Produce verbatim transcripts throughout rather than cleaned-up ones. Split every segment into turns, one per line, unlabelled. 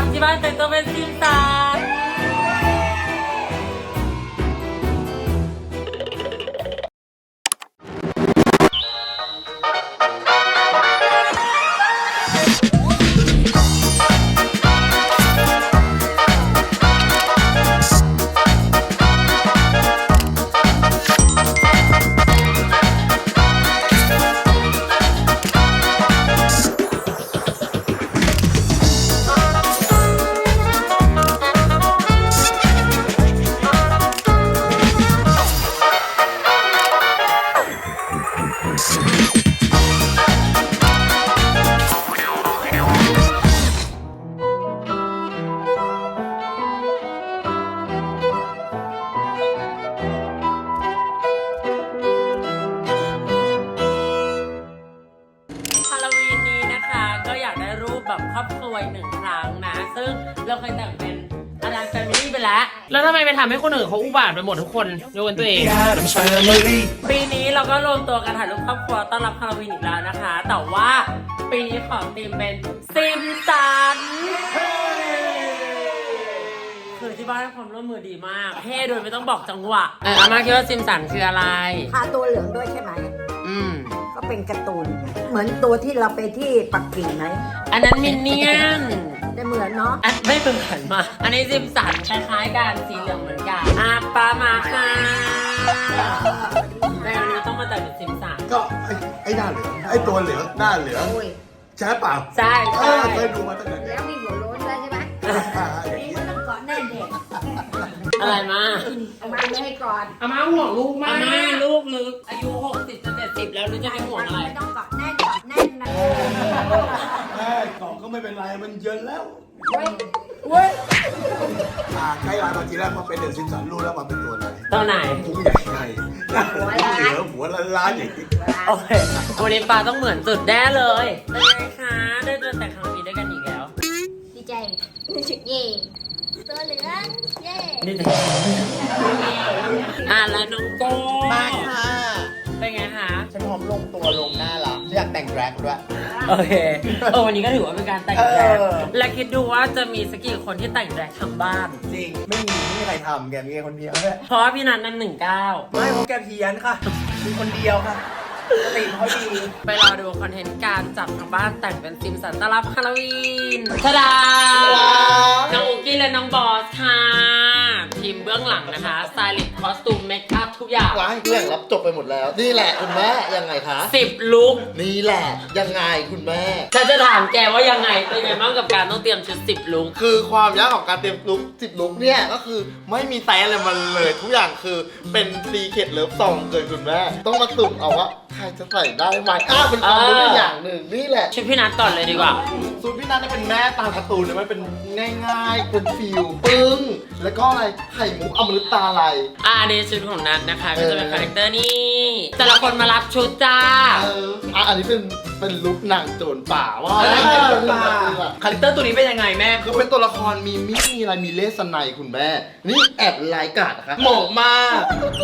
ำที่บ้านแต่งตัวเป็นซิมสันแบบครอบครัวหนึ่งครั้งนะซึ่งเราเคยแต่งเป็นอดัมแฟมิลี่ไปแล้วแล้วทำไมไปทำให้คนอื่นเขาอุบาทไปหมดทุกคนยกเว้นตัวเองปีนี้เราก็รวมตัวกันถ่ายรูปครอบครัวต้อนรับฮาโลวีนอีกแล้วนะคะแต่ว่าปีนี้ขอธีมเป็นซิมสันคือที่บ้านให้ความร่วมมือดีมากเท่โดยไม่ต้องบอกจังหวะเอออาม่าคิดว่าซิมสันคืออะไร
ทาตัวเหลืองด้วยใช่ไหม
อืม
ก็เป็นการ์ตูนเหมือนตัวที่เราไปที่ปักกิ่งไหม
อันนั้นมินเนี่ยน
แต่เหมือนเนาะ
ไม่เหมือนมาอันนี้ซิมสันคล้ายๆกันสีเหลืองเหมือนกันอ่ะปามาค่ะในวันนี้ต้องมาแต่งเป็นซิมสัน
ก็ไอ้ไอ้หน้าเหลืองไอ้ตัวเหลืองหน้าเหลืองใช่เปล่า
ใช่ใช่
เคยดูมาตั้งแต่
แล้วมีหัวโล้นด้วยใช่ไหมนี่มันต้องเกาะแน่เด็ก
อะไรมา
เอามาไม่ให้ก่อน
อาม่าห่วงลูกมากอาม่าลูกลึกอายุหกสิบจะเจ็ดสิบแล้วหรือจะให้ห่วงอะไร
ไม่ต้องเกาะแน่นเกาะแน่นนะ
แม่เกาะก็ไม่เป็นไรมันเยินแล้ว
เว้ยเว้ย
อ่าใกล้ลายมาทีแรกพอเป็นเดอะซิมสันรู้แล้วมันเป็นตัวไหน
ตัวไหน
ผู้ใหญ่ไงหัวล้านเหลือหัวล้านล้านอย่างนี้
โอเควันนี้ปลาต้องเหมือนสุดแน่เลยเป็นไงคะได้เจอแต่งครั้งนี้ด้วยกันอีกแล้ว
ดีใจเย่ตัวเหลืองเย่
นี่แต่อ่ะแล้วน้องโก้
มาค่ะ
เป็นไงคะ
ฉันพร้อมลงตัวลงหน้าละฉันอยากแต่งแร็กด้วย
โอเคเออวันนี้ก็ถือว่าเป็นการแต่งแร็กและคิดดูว่าจะมีสักกี่คนที่แต่งแร็กทั้งบ้าน
จริงไม่มีไม่มีใครทำแกมีแค่คนเดียวแหละ
เพราะว่าพี่นัทนั่นหนึ่งเก้า
ไม่เพราะแกเพี้ยนค่ะมีคนเดียวค่ะสติเขาดี
ไปรอดูคอนเทนต์การจับทางบ้านแต่งเป็นซิมสันต้อนรับฮาโลวีนทาดาน้องอุกี้และน้องบอสค่ะทีมเบื้องหลังนะคะสไตลิสต์คอสตูมเมคอัพทุกอย่าง
ว้ายเรื่องรับจบไปหมดแล้วนี่แหละคุณแม่ยังไงคะ
สิบลุค
นี่แหละยังไงคุณแม่
ฉันจะถามแกว่ายังไงเป็นไงบ้างกับการต้องเตรียมชุดสิบลุค
คือความยากของการเตรียมลุคสิบลุคเนี่ยก็คือไม่มีแต่อะไรมันเลยทุกอย่างคือเป็นซีเคทเลิฟซองเกินคุณแม่ต้องมาสุ่มเอาว่าใครจะใส่ได้ไหมอ้าวเป็นความรู้อย่างหนึ่งนี่แหละ
ชุดพี่นัทก่อนเลยดีกว่า
ชุดพี่นัทเป็นแม่ตาการ์ตูนเนี่ยมันเป็นง่ายๆเป็นฟิลปึ้งแล้วก็อะไรไข่มุกอมฤตตาอะไร
อ่าในชุดของนัทนะคะก็จะเป็นคาแรคเตอร์นี่แต่ละคนมารับชุดจ้า
เอออ่ะอันนี้เป็นเป็นลุคนางโจรป่าว่า
คาแรคเตอร์ตัวนี้เป็นยังไงแม่
คือเป็นตัวละครมีมิมีอะไรมีเลสไนคุณแม่นี่แอบลายกาดนะคะเหมาะมาก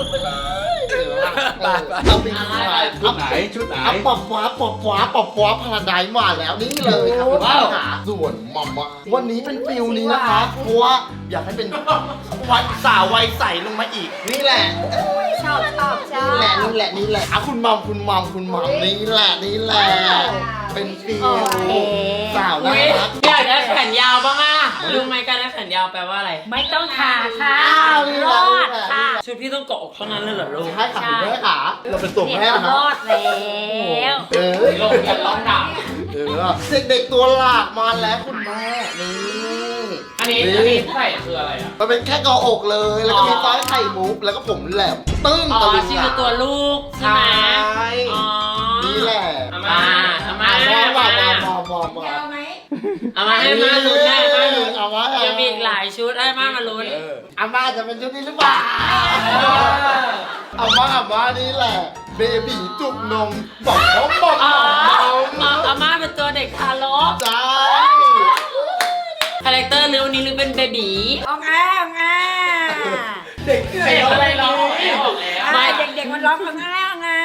เอาเป็นชุดไหนชุดไหนเอาปอบฟ้าปอบฟ้าปอบฟ้าพาราไดซ์มาแล้วนี่เลยครับว่าส่วนมัมมาวันนี้เป็นฟิลนี้นะคะเพราะว่าอยากให้เป็นวัยสาววัยใสลงมาอีกนี่แหละ
ชอบชอบชอบ
นี่แหละนี่แหละนี่แหละอ่ะคุณมัมคุณมัมคุณมัมนี่แหละนี่แหละเป็นฟิลสาวน่ารัก
อยากได้แขนยาวบ้างอ่ะรู้ไหมการได้แขนยาวแปลว่าอะไร
ไม่ต้องขาค่ะ
รอด
ค่ะ
ชุดพี่ต้องเกาะอกเท่านั้นเลยเหรอลูก
ใช่ค่ะคุณแม่ค่ะเราเป็นตัวแม่นะ
รอดแล้ว
เออ
ลงอย่าร้องดัง
เออเด็กๆตัวหลากมาแล้วคุณแม่นี่
อันนี้อันนี้ไข่คืออะไรอ่ะ
มันเป็นแค่เกาะอกเลยแล้วก็มีต้อยไข่มุกแล้วก็ผมแหลมตึ้ง
ตะลึงชื่อตัวลูกใช่ไหม
อ๋อนี่แหละ
อามาอามาอามา
มา
มา
มามามา
อามาให้มาลุ้นได้มาลุ้นยังมีอีกหลายชุดให้มามาลุ้น
อาม่าจะเป็นชุดนี้หรือเปล่าอาม่าอาม่านี่แหละเบบีจุกนมบอกเขาบอก
อ๋ออาม่าเป็นตัวเด็กทารก
ใช่
คาแรคเตอร์เรื่องนี้หรือเป็นเบบี
ออกอ่ะออกอ่ะ
เด็ก
เด็กอะไรร้องไม่ออกแล้ว
ไม่เด็กๆมันร้องออกอ่ะออกอ่ะ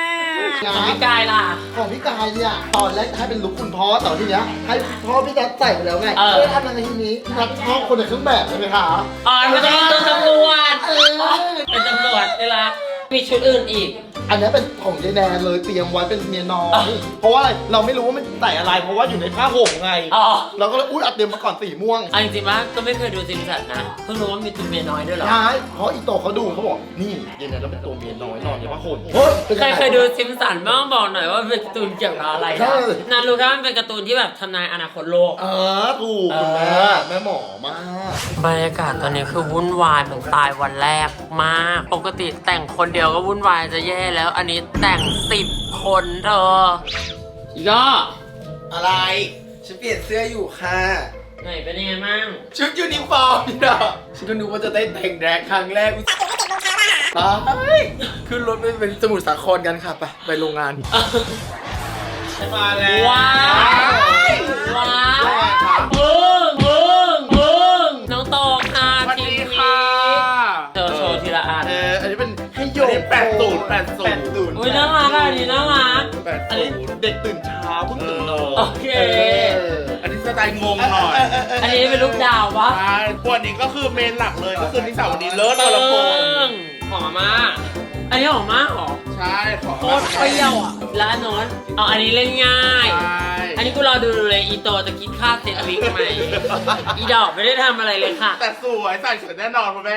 ของพี่กายล่ะ
ของพี่กายเนี่ยตอนแรกจะให้เป็นลุคคุณพ่อแต่ทีเนี้ยให้พ่อพี่นัทใส่ไปแล้วไง
เออ
เอ้ยทำอะไรทีนี้พี่นัทชอบคนในเครื่องแบบใช่ไหมคะ
อ๋อมันจะเป็นตัวตำรวจ
เออ
เป็นตำรวจนี่ละมีชุดอื่นอีก
อันนี้เป็นของยายแนนเลยเตรียมไว้เป็นเมียน้อยเพราะว่าอะไรเราไม่รู้ว่ามันใส่อะไร เพราะว่าอยู่ในผ้าห่มไง
อ๋อ
เราก็เลยอุ้ยอัดเตรียมมาก่อนสีม่วง
เอาจริงๆว่าก็ไม่เคยดูซิมสันนะ เพิ่งรู้ว่ามีตัวเมียน้อยด้วยเหรอ
ใช่เพราะอีโตเขาดูเขาบอกนี่ยายแนนเราเป็นตัวเมียน้อยนอนในผ้าห่มเฮ้ยเป็น
ใคร
ยังไง
เคยดูซิมสันบ้างบอกหน่อยว่าเป็นการ์ตูนเกี่ยวกับอะไร
ใช่
นะนารู้แค่ว่ามันเป็นการ์ตูนที่แบบทำนายอนาคตโลก
เออถูกคุณแม่แม่หมอมาก
บรรยากาศตอนนี้คือวุ่นวายเหมือนตายวันแรกมาก ปกติแต่งคนเดียวก็วุ่นวายจะแย่แล้ว อันนี้แต่งสิบคนเธออีกก็
อะไรฉันเปลี่ยนเสื้ออยู่ค่ะ
ไหนเป็นยังไงมั่ง
ชุดยูนิฟอร์มนี่นะฉันก็นึกว่าจะได้แต่งแดกครั้งแรกไปขึ้นรถไปเป็นสมุทรสาครกันค่ะไปไปโรงงานมาแล้ว
ว้าวว้าวมึงมึงมึงน้องโตค่ะ
สวัส
ที
ดี
วี
ค่ะ
เธอโชว์ทีละอัน
เอออันนี้เป็นให้โยกแปดศูนย์แปดศูนย์
อุ้ยน่ารักอ่ะอันนี้น่ารัก
แปด
อัน
ศู
นี้
นย์
เด็กตื่นเช้าเพิ่งตื่นนอน
โอเค
อันนี้สไตล์งงหน่อย
อันนี้เป็นลูกดาวปะ
ใช่วันนี้ก็คือเมนหลักเลยก็คือนิสาวดีเลิศ
เติ
ละคร
งหอมมากอันนี้หอมมากหรอ
ใช่ขอ
โคตรเปรี้ยวอ่ะแล้วอันโน้นเอาอันนี้เล่นง่าย
ใช่
อันนี้กูรอดูเลยอีโตจะคิดค่าเซตวิกไหม อีดอกไม่ได้ทำอะไรเลยค่ะ
แต่สวยใส่สวยแน่นอนคุณแม่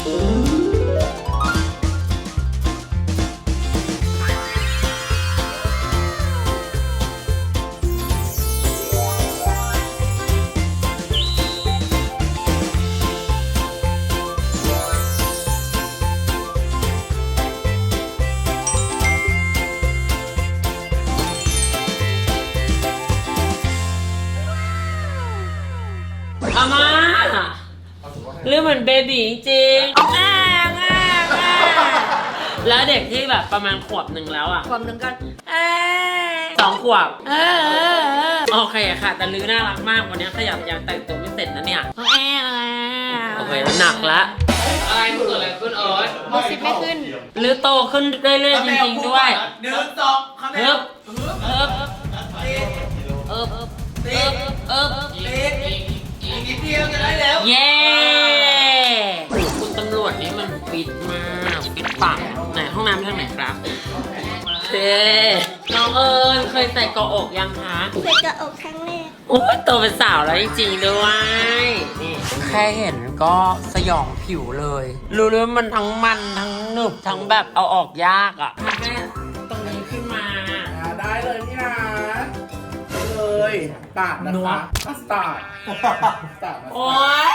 อาม่าเรื่องเหมือนเบบีจริงๆแอ่แอ่แอ่แล้วเด็กที่แบบประมาณขวบหนึ่งแล้วอ่ะขวบหนึ่งก็แอ่สองขวบเออเออเออโอเคค่ะ แต่ลือน่ารักมากวันนี้ขยับยังแต่งตัวไม่เสร็จนะเนี่ยแอ่โอเคหนักละอะไรมันเกิดอะไรขึ้นเอิร์ธ
ดูสิไม่ขึ้น
ลือโตขึ้นเรื่อยๆจริงๆด้วย
หนึ่งสองคำแร
เอิ
ก
บเอิบเอิบเอิบเอิบ
อีกนิดเดียวจะได้แล้ว
เย้คุณตำรวจนี่มันฟิตมากฟิตปังไหนห้องน้ำทางไหนครับเท่น้องเอิญเคยใส่เกาะอกยังคะ
ใส่กระอกครั้งแรก
โอ้ยโตเป็นสาวแล้วจริงๆด้วยนี่แค่เห็นก็สยองผิวเลย รู้เลยว่ามันทั้งมันทั้งหนึบทั้งแบบเอาออกยากอ่ะทำให้ตรงนี้ขึ้นมา
ได้เลยพี่นะเลยปาดนะ
นัว
คะอัสตาร์สตาร์
โอ๊ย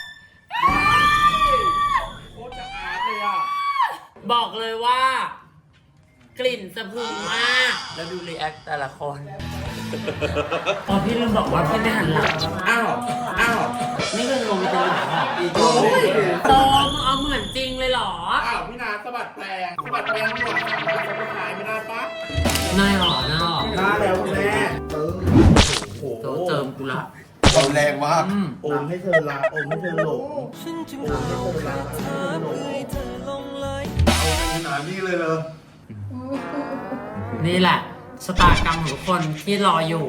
โคตรจะอาร์ตเลยอ่ะ
บอกเลยว่า กลิ่นสะพรึงมาก แล้วดูรีแอคแต่ละคนอ๋อพี่ลืมบอกว่าพี่ไม่หันหลัง
อ้าว อ้าว
นี่คือลงไปตรงไหนหรอโตมึงเอาเหมือนจริงเลยเหรอ
อ้าวพี่นาสะบัดแปลงสะบัดแปลงหัวขาสะบัดขายไม่ได้ปะ
นายหรอนายหรอ
ได้แล้วคุณแม่เออโอ้
โตเจิมกูละ
ความแรงมาก
อืม
โอมให้เธอรักโอมให้เธอหลงโอมให้เธอรักโอมให้เธอหลงพี่นานี่เลยเลย
นี่แหละชะตากรรมของทุกคนที่รออยู่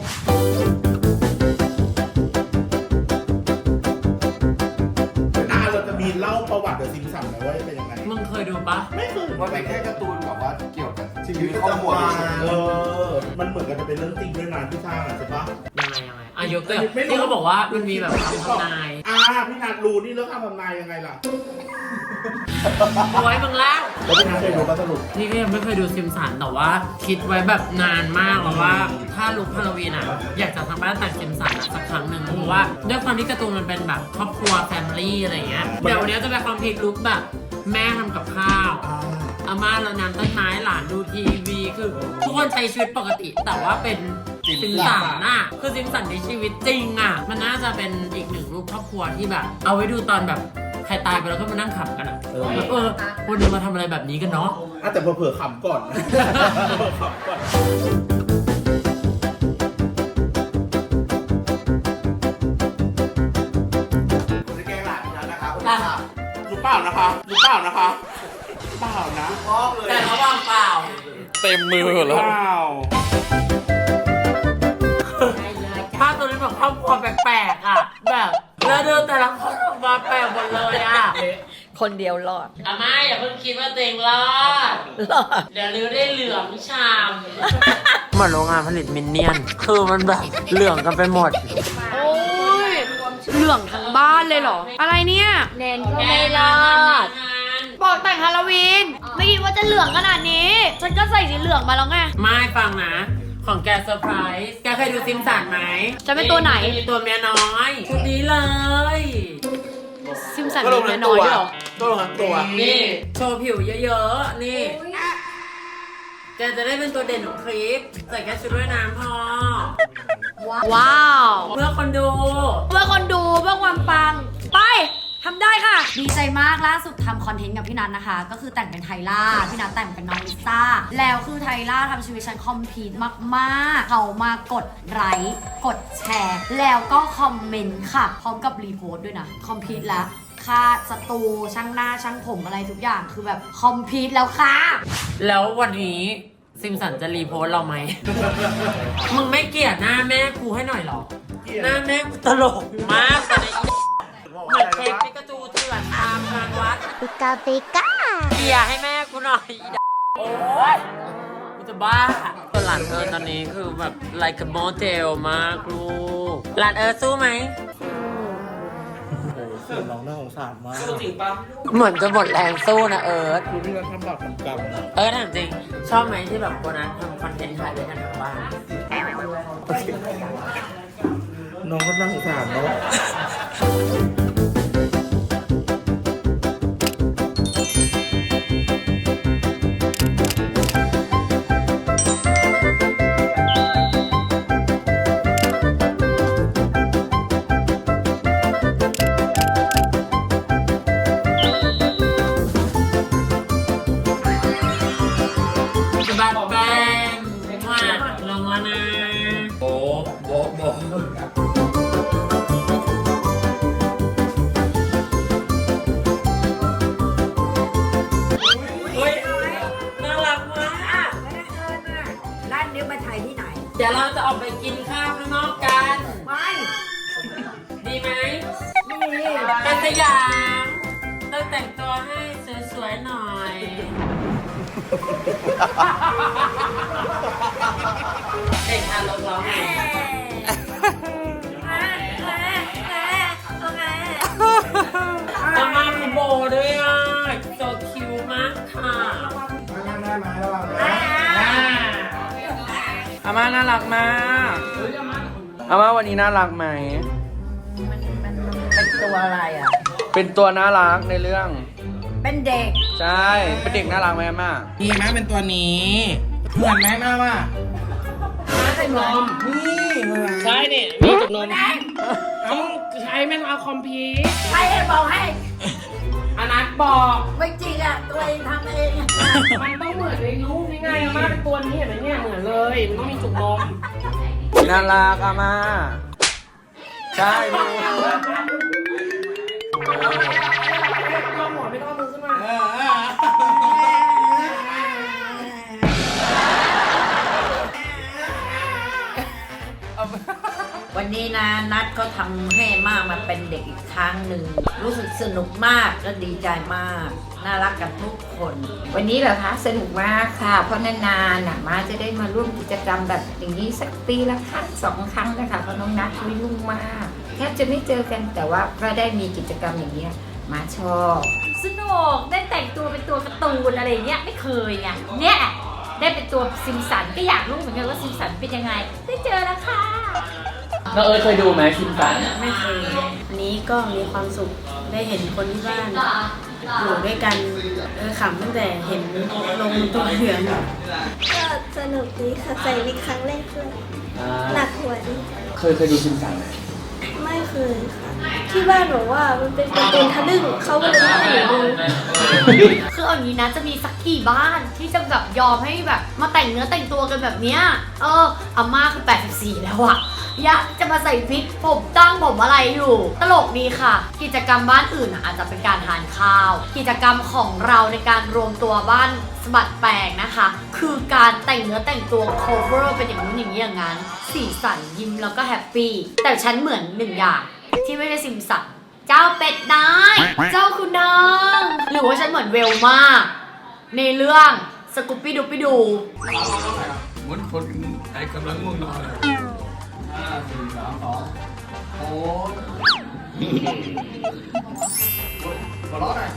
หน้าเราจะมีเล่าประวัติเดอะซิมสันนะว่าเป็นยังไง
มึงเคยดูปะ
ไม่เคย
มันเป็นแค่การ์ตูนแบบว่าเกี่ยวกับชี
ชี
วิ
วิ
ต
ต
ครอบ
ประ
ครัว
จำวัน
เฉย
เออ มันเหมือนกันจะเป็นเรื่องจริงด้วยนะที่สร้างอ่ะใช่ปะ
ยังไงยังไงอ่ะยกตัว
ไม่รู้
ที่เขาบอกว่ามันมีแบบคำทำนาย
อ่าพี่นัทรู้นี่เรื่องคำทำนายยังไงล่ะ
เอาไว้มึงแล้ว
แล้วพี่นัทเคยรู้ป่ะสรุป
นี่ก็ยังไม่เคยดูซิมสันแต่ว่าคิดไว้แบบนานมากแล้วว่าถ้าลุคฮาโลวีนอ่ะอยากจะทำบ้านแต่งซิมสันอะสักครั้งหนึ่งเพราะว่าด้วยความที่การ์ตูนมันเป็นแบบครอบครัวแฟมิลี่อะไรเงี้ยเดี๋ยววันนี้จะไปคอมพลีทลุคแบบแม่ทำกับข้าวอาม่าเรานำต้นไม้หลานดูทีวีคือทุกคนใช้ชีวิตปกติ แต่ว่าเป็นซิมสันน่ะคือซิมสันในชีวิตจริงอ่ะมันน่าจะเป็นอีกหนึ่งรูปครอบครัวที่แบบ เอาไว้ดูตอนแบบใครตายไปแล้วก็มานั่งขำกันอ่ะแบบเออวันนี้มาทำอะไรแบบนี้กันเนาะ
อ่ะแต่เผื่อๆขำก่อนเผื่อๆขำก่อนผมจะแกล้งหลานพี่นัทนะคะคุณค่ะรู้เปล่านะคะรู้เปล่านะคะเปล่านะ
ชอบเลย
แต่เขาว่างเปล่า
เต็มมือแล้ว
ภาพตัวนี้แบบครอบครัวแปลกๆอ่ะแบบแล้วเดินแต่ละคนออกมาแปลกหมดเลยอ่ะ
คนเดียวรอด
อาม่าอย่าเพิ่งคิดว่าตัวเองรอด
รอด
เดี๋ยวริ้วได้เหลืองชามเหมือนโรงงานผลิตมินเนี่ยน คือมันแบบเหลืองกันไปหมด
โอ้ยเหลืองทั้งบ้านเลยเหรอ อะไรเนี่ย
แนนก็ไม่รอด
บอกแต่งฮาโลวีน ไม่คิดว่าจะเหลืองขนาดนี้ ฉันก็ใส่สีเหลืองมาแล้วไง
ไม่ฟังนะ ของแกเซอร์ไพรส์แกเคยดูซิมสันไหม
จะเป็นตัวไหน
จะมีตัวเมียน้อยชุดนี้เลย
ซิมสัน
ก็ล
มี
ง
เมี
ทั้
ย
ง
น้
ตั
อ
วย
ด้วยเหรอ
ก็ลงทั้งตัว
นี่โชว์ผิวเยอะๆ นี่ แกจะได้เป็นตัวเด่นของคลิป ใส่แค่ชุดว่ายน้ำพอ
ว้าว
เพื่อคนดู
เพื่อคนดูเพื่อความปัง ไปทำได้ค่ะ ดีใจมากล่าสุดทำคอนเทนต์กับพี่นัทนะคะ ก็คือแต่งเป็นไทล่า พี่นัทแต่งเป็นน้องลิซ่า แล้วคือไทล่าทำชีวิตฉันคอมพลีทมากๆ เขามากดไลค์กดแชร์ แล้วก็คอมเมนต์ค่ะ พร้อมกับรีโพสต์ด้วยนะ คอมพลีทแล้ว ค่าสตูช่างหน้าช่างผมอะไรทุกอย่างคือแบบคอมพลีทแล้วค่ะ
แล้ววันนี้ซิมสันจะรีโพสต์เราไหม มึงไม่เกลียดหน้าแม่กูให้หน่อยเหรอ หน้าแม่กูตลกมากตอนนี้เหมือนเค้กปิกาจูเถื่อนตามงานวัด
ปิกาปิกา
เกลียร์ให้แม่กูหน่อยอีดโอ๊ยกูจะบ้าตัวหลานเอิร์ธตอนนี้คือแบบ like a model มากลูกหลานเอิร์ธสู้ไหม
น้องน่าสงสารมาก
เหมือนจะหมดแรงสู้นะเอิร์ธ
คือพี่นัททำบาปทำกรรมนะ
เอิร์ธถามจริง ชอบไหมที่แบบโบนัสทำคอนเทนต์ถ่ายด้วยกันทั้งบ้าน
น้องก็น่าสงสารเนาะ
บัตรแบงมาลงแล้วนะ
โอ้โบโบ
เฮ้ย น่ารักมาก
ร้านนี้มาถ่ายที่ไหน
เดี๋ยวเราจะออกไปกินข้าวข้างนอกกัน
ไม่
ดีไหม
ไม่มี
เป็นสยามต้องแต่งตัวให้สวยๆหน่อย เด็กทารกร้องไงจะมาคุณโบด้วยอ่ะโซคิวมากค่ะ
อาม่าน่ารักมากอาม่าวันนี้น่ารักไหม
เป็นตัวอะไรอ่ะ
เป็นตัวน่ารักในเรื่อง
เป็นเด็ก
ใช่ เป็นเด็กน่ารักไหมอาม่า
ดีไหมเป็นตัวนี้ เหมือนไหมมาว่า
ไม่เหมือน
นี่เหมือน
ใช่เนี่ยมีจุกนมต้องใช้แม่งเอาคอมพิว
ใครให้บอกให้
อนัทบอก
ไม่จริงอ่ะ ตัวเองทำเอง
มันต้องเหมือนในรูปนี่ไงอาม่าเป็นตัวนี้เห็นไหมเนี่ยเหมือนเลย มันต้องมีจุกนม
น่ารักอาม่าใช่ดู
ต้องหัวไม่ต้องมือขึ้นมา
วันนี้นะนัดก็ทำให้มากมาเป็นเด็กอีกครั้งหนึ่ง รู้สึกสนุกมากและดีใจมาก น่ารักกันทุกคน
วันนี้เหรอคะสนุกมากค่ะ เพราะนานๆน่ะมาจะได้มาร่วมกิจกรรมแบบอย่างนี้สักปีละครั้งสองครั้งนะคะเพราะน้องนัทไม่ยุ่งมากแทบจะไม่เจอกันแต่ว่าก็ได้มีกิจกรรมอย่างนี้ยมาชอบ
สนุกได้แต่งตัวเป็นตัวการ์ตูนอะไรเงี้ยไม่เคยไงเนี่ยได้เป็นตัวซิมสันก็อยากรู้เหมือนกันว่าซิมสันเป็นยังไง ได้เจอแล้วค่ะ
น้องเอิร์ธเคยดูไหมคิมสัน
ไม่เคยวันนี้ก็มีความสุขได้เห็นคนที่บ้านอยู่ด้วยกันเออขำตั้งแต่เห็นลงตัวเหลือง
ก็สนุกดีค่ะ ใส่วิกครั้งแรกเลยหนักหัวดี
เคยเคยดูคิมสันไหม
ไม่เคยค่ะ ที่
ที่บ้านบอกว่ามันเป็นการ์ตูนทะลึ่งเขาก็เลยไม่ให้หนูดู
คือเอาอย่างนี้นะจะมีสักกี่บ้านที่จะแบบยอมให้แบบมาแต่งเนื้อแต่งตัวกันแบบเนี้ยเอออาม่าคือแปดสิบสี่แล้วอะยะจะมาใส่วิกผมตั้งผมอะไรอยู่ ตลกดีค่ะ กิจกรรมบ้านอื่นอะอาจจะเป็นการทานข้าว กิจกรรมของเราในการรวมตัวบ้านสะบัดแปลงนะคะ คือการแต่งเนื้อแต่งตัว cover เป็นอย่างนู้นอย่างนี้อย่างนั้น สีสันยิ้มแล้วก็แฮปปี้แต่ฉันเหมือนหนึ่งอย่างที่ไม่ได้ซิมสันเจ้าเป็ดน้อยเจ้าคุณนางหรือว่าฉันเหมือนเวลมากในเรื่องสกูปปี้ดูปี้ดู
เหมือนคนไอ้กำลังง่วงนอนเลยห้าสี่สามสองโอ้หัวเราะหน่อย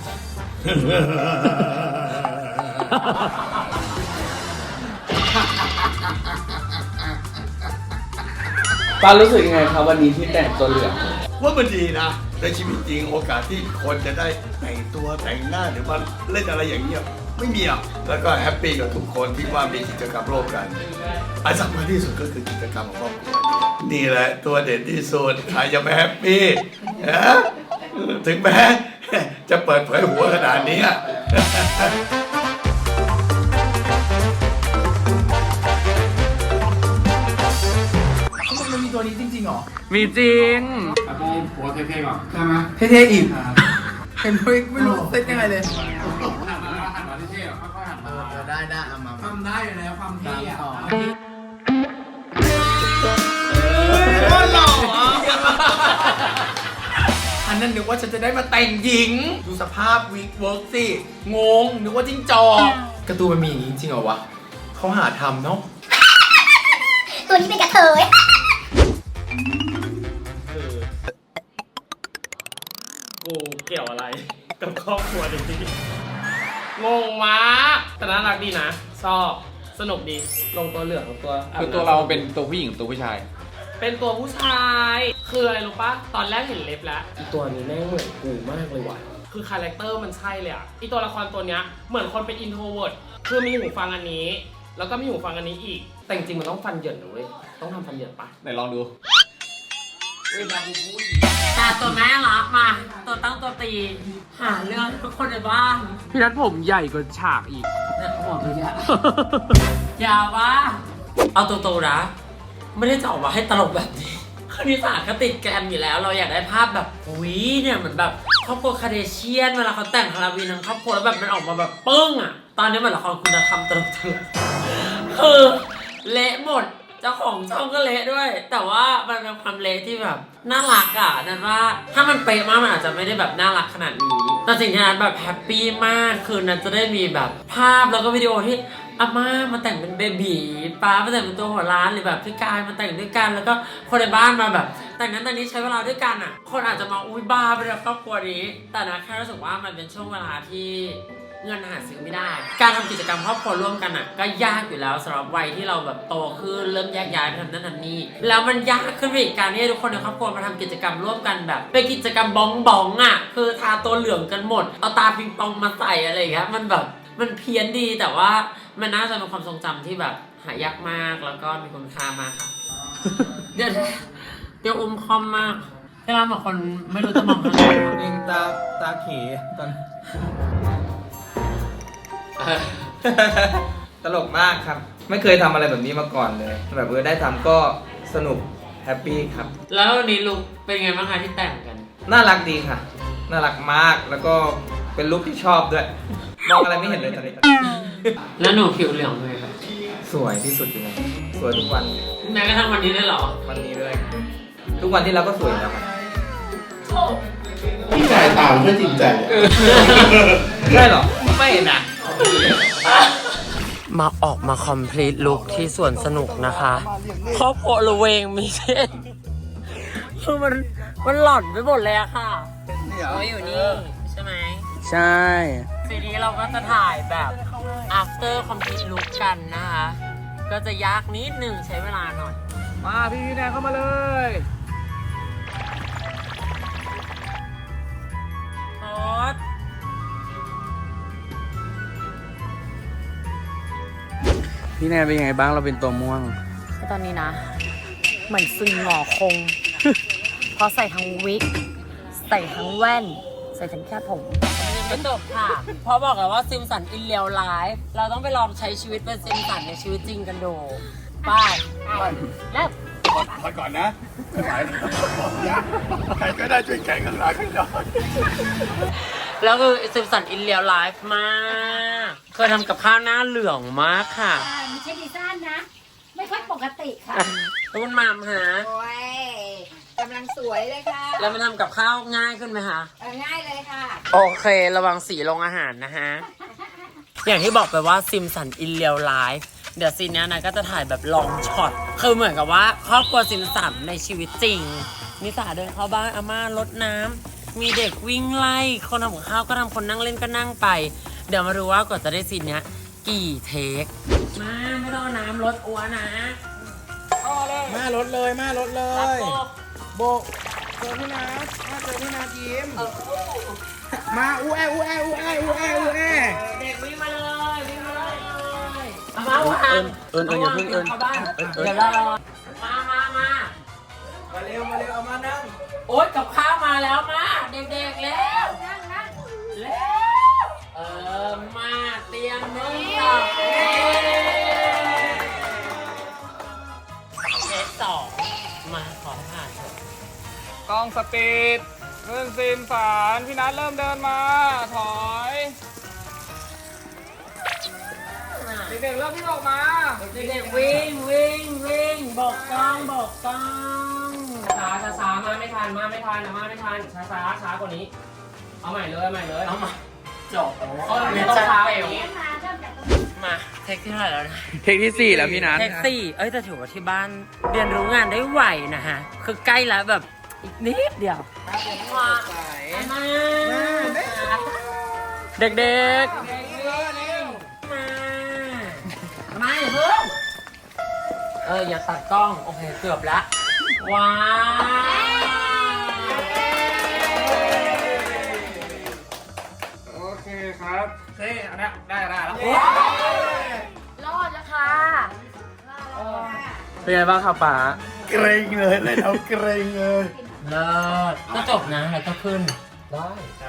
ปารู้สึกยังไงครับวันนี้ที่แต่งตัวเหลือง
ว่ามันดีนะในชีวิตจริงโอกาสที่คนจะได้แต่งตัวแต่งหน้าหรือมาเล่นอะไรอย่างเงี้ยไม่มีอ่ะแล้วก็แฮปปี้กับทุกคนที่ว่ามีกิจกรรมร่วมกันอันสำคัญที่สุดก็คือกิจกรรมของครอบครัวนี่แหละตัวเด่นที่สุดใครจะไม่แฮปปี้นะถึงแม้จะเปิดเผยหัวขนาดนี้
มันมีตัวนี้จริงๆเหรอ
มีจริง
หัวเท่ๆก่อนใช่ไหมเท่ๆอีกเห็นไม่ไม่รู้เซ็ตยังไงเลยได้ได้เอามาทำได้อยู่แล้วความเท่อะหล่ออันนั้นนึกว่าฉันจะได้มาแต่งหญิงดูสภาพวิกเวิร์กสิงงนึกว่าจิ้งจอกการ์ตูนมันมีอย่างนี้จริงเหรอวะเขาหาทำเนาะ
ตัวนี้เป็นกระเทย
กูเกี่ยวอะไรกับครอบครัวนี้งงมากแต่น่ารักดีนะชอบสนุกดีลงตัวเหลืองกับตัว
คือตัวเราเป็นตัวผู้หญิงตัวผู้ชาย
เป็นตัวผู้ชายคืออะไรรู้ปะตอนแรกเห็นเล็บแล้วอีตัวนี้แม่งเหมือนกูมากเลยว่ะคือคาแรคเตอร์มันใช่เลยอ่ะอีตัวละครตัวเนี้ยเหมือนคนเป็นอินโทรเวิร์ตคือมีหูฟังอันนี้แล้วก็มีหูฟังอันนี้อีกแต่จริงๆมันต้องฟันเหยินนะเว้ยต้องทำฟันเหยินปะ
ไหนลองดู
แต่ตัวแม่รักมาตัวตั้งตัวตีหาเรื่องทุกคนในบ้านพี่นัทผมใหญ่กว่าฉากอีกเนี่ยหัวมันยาวยาวปะเอาตัวโตนะไม่ได้จะออกมาให้ตลกแบบนี้คณิตศาสตร์ก็ติดแกรมอยู่แล้วเราอยากได้ภาพแบบอุ้ยเนี่ยเหมือนแบบครอบครัวคาเดเชียนเวลาเขาแต่งฮาโลวีนทั้งครอบครัวแล้วแบบมันออกมาแบบปึ้งอ่ะตอนนี้เหมือนละครคุณธรรมตลกๆคือเละหมดเจ้าของช่องก็เละด้วยแต่ว่ามันเป็นความเละที่แบบน่ารักอ่ะนั่นว่าถ้ามันเป๊ะมากมันอาจจะไม่ได้แบบน่ารักขนาดนี้แต่สิ่งที่นั้นแบบแฮปปี้มากคือนั้นจะได้มีแบบภาพแล้วก็วิดีโอที่อาม่ามาแต่งเป็นเบบีป้ามาแต่งเป็นตัวหัวล้านหรือแบบพี่กายมาแต่งด้วยกันแล้วก็คนในบ้านมาแบบแต่งนั้นแต่งนี้ใช้เวลาด้วยกันอ่ะคนอาจจะมาอุ้ยบ้าไปแล้วครอบครัวนี้แต่นะแค่รู้สึกว่ามันเป็นช่วงเวลาที่เงินหาซื้อไม่ได้การทำกิจกรรมครอบครัวร่วมกันอ่ะก็ยากอยู่แล้วสำหรับวัยที่เราแบบโตขึ้นเริ่มแยกย้ายไปทำนั่นทำนี่แล้วมันยากขึ้นไปอีกการที่ทุกคนในครอบครัวมาทำกิจกรรมร่วมกันแบบเป็นกิจกรรมบ้องบ้องอ่ะคือทาตัวเหลืองกันหมดเอาตาปิงปองมาใส่อะไรอย่างเงี้ยมันแบบมันเพี้ยนดีแต่ว่ามันน่าจะเป็นความทรงจำที่แบบหายากมากแล้วก็มีคุณค่ามากค่ะ เดี๋ยวเดี๋ยวอุ้มคอมมากที่เราบอกคนไม่รู้จะมองอะไร
เองตาตาเขตอน ตลกมากครับ ไม่เคยทำอะไรแบบนี้มาก่อนเลย แบบเออได้ทำก็สนุกแฮปปี้ครับ
แล้ววันนี้ลุกเป็นไงบ้างคะที่แต่งกัน
น่ารักดีค่ะ น่ารักมากแล้วก็เป็นลุคที่ชอบด้วย มองอะไรไม่เห็นเลยตอนนี้
แล้วหนูผิวเหลืองเลยครับ
สวยที่สุดเลยสวยทุกวัน
แม้กระทั่งวันนี้ได้เหรอ
วันนี้ด้วย ทุกวันที่เราก็สวยแล้วครับ
พี่ชายตามเพื่อจริงใจ
ใช่หรอ ไม่นะ
มาออกมาคอมพลีทลุคที่สวนสนุกนะคะครอบครัวระเวงมีเช่นคือมันมันหล่อนไปหมดเลยอะค่ะเราอยู่นี่ใช่ไหม
ใช่
ทีนี้เราก็จะถ่ายแบบ after complete look กันนะคะ ก็จะยากนิดหนึ่งใช้เวลาหน่อย
มาพี่พี่แนนเข้ามาเลย
โอ๊ต
พี่แนนเป็นยังไงบ้างเราเป็นตัวม่วง
คือตอนนี้นะ เหมือนซึงหงอคง เพราะใส่ทั้งวิก
ใส่ทั้งแว่น ใส่ทั้งแค่ผม
ไม่จบค่ะ เพราะบอกแล้วว่าซิมสันอินเลียวไลฟ์เราต้องไปลองใช้ชีวิตเป็นซิมสันในชีวิตจริงกันดูไปเริ่ม
ถอยก่อนนะไม่ไหวใครก็ได้ช่วยแข่งกันหลังให้หน่อย
แล้วคือซิมสันอินเลียวไลฟ์มากเคยทำกับข้าวหน้าเหลืองมากค่ะ
ไม่ใช่ดีซ่านนะ ไม่ค่อยปกติค่ะ
แล้วคุณมามฮะ
โอ้ยกำลังสวยเลยค่ะ
แล้วมันทำกับข้าวง่ายขึ้นไหมคะ
เออง่ายเลยค่ะ
โอเค ระวังสีลงอาหารนะฮะ อย่างที่บอกไปว่าซิมสันอินเลียวไลฟ์เดี๋ยวซีนนี้นะก็จะถ่ายแบบลองช็อต คือเหมือนกับว่าครอบครัวซิมสันในชีวิตจริง นิสาเดินเข้าบ้านอาม่ารดน้ำมีเด็กวิ่งไล่ คนทำกับข้าวก็ทำคนนั่งเล่นก็นั่งไป เดี๋ยวมาดูว่ากว่าจะได้ซีนเนี้ยกี่เทค มาไม่ต้องเอาน้ำรดอัวนะ
มารถเลยมารถเล
รับ
ย
โบ
โบกเจอพี่นัทมาเจอพี่นัทยิ้มมาอู้แออู้แออู้แออู้แออู้แอ
เด็กวิ่งมาเลยวิ่งมาเลยเอามาวาง
เอิญเอิญอย่าเพิ่งเอิญ
เข้าบ้าน
เอิญเอิญ
เดี๋ยวเรามามามา
มาเร็วมาเร็วเอามานั่ง
โอ๊ยกับข้าวมาแล้วมาเด็กๆแล้วแล้วเออมาเตรียมมือต่อเทคสองมาขอผ่านเถอะ
กล้องสปีดเริ่มซีนสารพี่นัทเริ่มเดินมา ถอยเด็กๆเริ่มที่ออกมา
เด็กๆวิ่งวิ่งวิ่งบอกกล้องบอกกล้องช้าช้าช้ามาไม่ทันมาไม่ทันนะมาไม่ทันช้าช้าช้ากว่านี้ เอาใหม่เลยเอาใหม่เลยเอาใหม่จบเออไม่ต้องช้ากว่านี้มาเทคที่เท่าไหร่แล้วนะ
เทคที่สี่แล้วพี่นัท
เทคซี่เอ้ยแต่ถือว่าที่บ้านเรียนรู้งานได้ไวนะฮะคือใกล้แล้วแบบอีกนิดเดียวมามาเด็กๆมามาอย่าเพิ่งเอออย่าตัดกล้องโอเคเกือบละว้าว
โอเคครับเฮ้ยอันนี้ได้ได้แล้ว
รอดแล้วค่ะ
เป็นไงบ้างครับป๋า
เกรงเลยเลยเอาเกรงเลย
เลิศก็จบนะแล้วก็ขึ้นได้
ใช่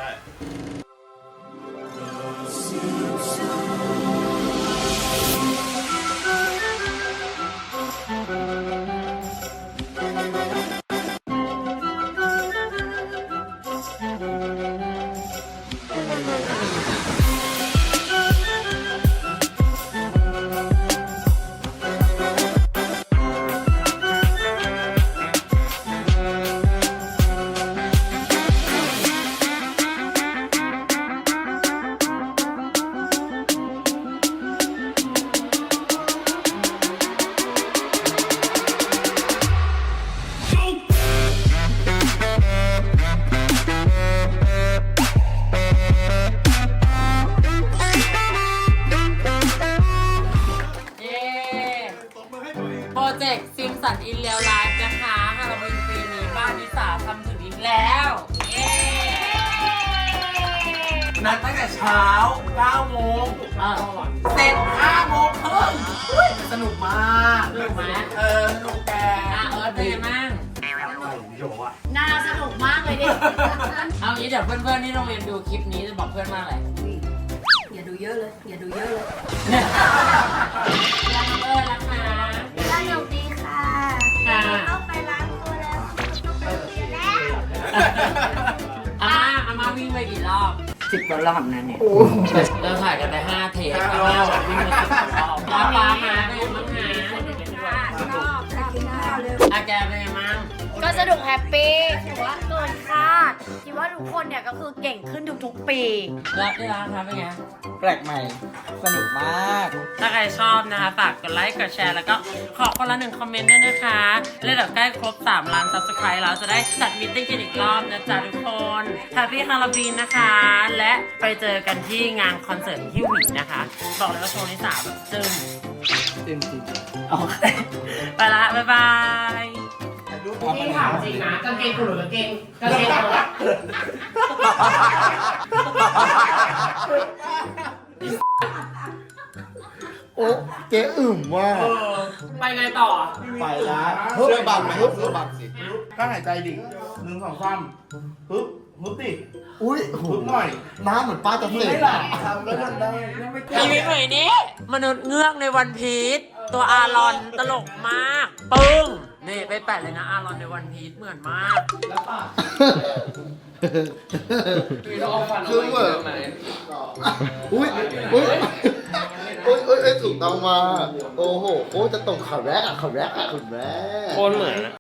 เย้โปรเจกต์ซิมสันอินเลียวไลฟ์นะคะฮาโลวีนปีนี้บ้านนิสาทำถึงอีกแล้วเย้
นัดตั้งแต่เช้าเก้าโมง
อ่ะ
เสร็จห้าโมงครึ่งอุ๊ยสนุกมาก
สนุกไหม
เออสนุกแก
อ่ะเอิร์ธเป็นไงบ้าง
น่าสนุกมากเลยดิ
เอางี้เดี๋ยวเพื่อนๆที่โรงเรียนดูคลิปนี้จะบอกเพื่อนว่าอะไร
อย่าดูเยอะเลย อย่าดูเยอะเลย
รักน้องเอิร์ธรักนะ
สนุกดีค่ะ
ค่ะ
เข้าไปล้างตัวแล้วต้องไปเรียนแล้ว
อาม่าอาม่าวิ่งไปกี่รอบ
สิบกว่ารอบนะเนี่ย
เราถ่ายกันไปห้าเทปอาม่าบอกวิ่งมาสิบกว่ารอบป้าป้ามาเป็นไงบ้างนะอาแกเป็นไงบ้าง
ก็สนุกแฮปปี้ถือว่าเกินคาด คิดว่าทุกคนเนี่ยก็คือเก่งขึ้นทุกๆปี
แล้วที่ร้านครับเป็นไง
แปลกใหม่ สนุกมาก
ถ้าใครชอบนะคะฝากกดไลค์กดแชร์แล้วก็ขอคนละหนึ่งคอมเมนต์ด้วยนะคะแล้วเดี๋ยวใกล้ครบสามล้าน ซับสไครบ์ แล้วจะได้จัดมิตติ้งกันอีกรอบนะจ๊ะทุกคนแฮปปี้ฮาโลวีนนะคะ และไปเจอกันที่งานคอนเสิร์ตที่หวีนะคะ บอกเลยว่าโชว์นิสาแบบจึ้ม
จริงจริง
โอเคไปละ บ๊ายบายนี่ถามจริงนะกางเกงคุณหรือกางเกงกางเกงคุณ
อ้เจ๊อึ่มว่ะ
ไปไงต่อ
ไปละ
เสื้อบังไหมครับเสื้อบังสิ
กั้นหายใจดิหนึ่งสองสามฮึบฮึบดิ
อุ้ยโอ้โห
ฮึบหน่อย
น้ำเหมือนป้าจะ
มึง
เส
ไม่
ก
หลับทำก็ทำได้ยังไม่
ชีวิตหน่อยนี้มนุษย์เงือกในวันพีชตัวอารอนตลกมาก ปึ้ง นี่ไปแปะเลยนะอารอนในวันพีชเหมือนมาก
คือเหมือนอุ้ยอุ้ยอุ้ยอุ้ยอุ้ยถูกต้องมาโอ้โหโอ้จะตรงข่าวแรกอ่ะข่าวแรกอ่ะข่าวแรก
โคตรเหมือน